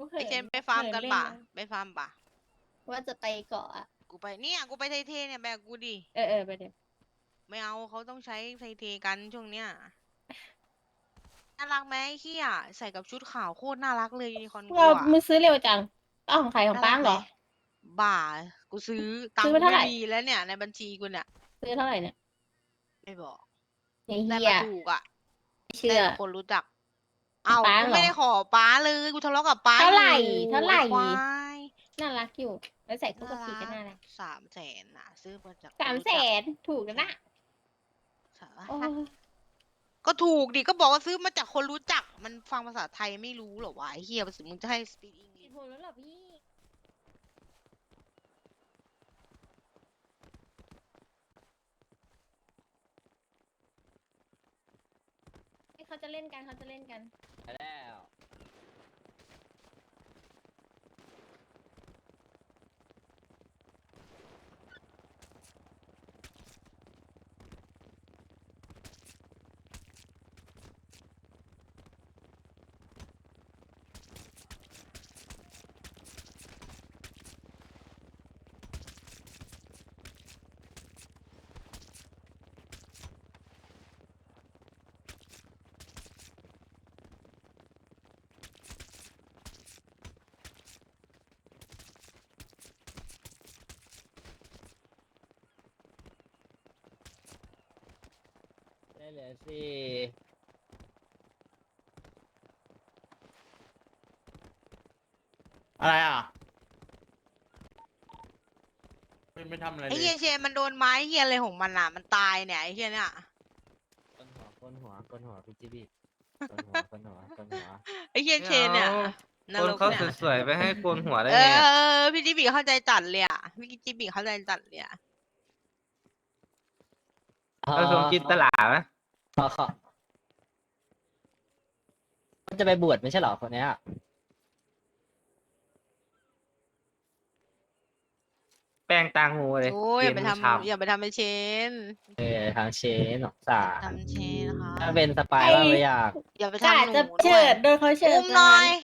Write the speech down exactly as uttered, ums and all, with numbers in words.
เหิไอเชนนไปฟาร์มเหิกันเล่ป่ะนะไปฟาร์มป่ะว่าจะไปเกาะอะกูไปเนี่ยกูไปไทเทเนี่ยแบกกูดิเออเออไปเดี๋ยวไม่เอาเขาต้องใช้ไทเทกันช่วงเนี้ยน่ารักไหมไอ้เฮียใส่กับชุดขาวโคตรน่ารักเลยยูนิคอร์นกูเราอะมือซื้อเร็วจังอ้าวของใครของน่าป้ารังกเหไหรมอบ่ากูซื้อตังซื้อค์ไปกูเท่าไหไม่ร่มีแล้วเนี่ยในบัญชีกูเนี่ยซื้อเท่าไหร่เนี่ยไม่บอกไอ้ได้เหี้ยมาถูกอะไม่เชื่ได้อจากคนรู้จัก อ้าวป้ากูเหรไม่อได้ขอป๊าเลย กูทะเลาะกับป๊าเท่าอไหร่ยู่เท่าไหร่ไอ้ควายน่ารักอยู่ แล้วใส่คู่น่ากับ พีรัก็น่ารักสามแสน น่ะ ซื้อมาจากคสาน มรู้แสจักน ถูกแล้วนะสาโอ้ก็ถูกดิ ก็บอกว่าซื้อมาจากคนรู้จัก มันฟังภาษาไทยไม่รู้เหรอวะไอ้เหี้ย มึงจะให้ speak มี English ผลแล้วเหรอพี่ เขาจะเล่นกัน เขาจะเล่นกันไปแล้ว ได้เหลือสี่อะไรอ่ะไม่ไม่ทำอะไรไอ้เลเหี้ยยเชนมันโดนไม้เหี้ยอะไรของมันน่ะ มันตายเนี่ยไอ้เหี้ยเนี่ยก้นหัวก้นหัวก้นหัวพี่จิบี้ก้นหัวก้นหัวก้นหัวไอ้เหี้ยเชนเนี่ยนคนรกเขาเนี่ยสวยๆไปให้โกนหัวได้เอไงอะอ พี่จิบีเข้าใจจัดเลยอะพี่จิบีเข้าใจจัดเลยอะเราสมจินตลาไหมขอขอมันจะไปบวชไม่ใช่เหรอคนเนี้ยแป้งตางหูเลยโอ้ยอย่าไปเย็นทฉ่ำอย่าไปทำเป็นเชนเออทางเชนหนองสาทำเชนนะคะถ้าเป็นสปายไอ้ว่าไม่อยากอย่าไปกะทำหนูจะด้เฉิวยดโดนเขาเฉิดอุ้มซะหน่องั้นย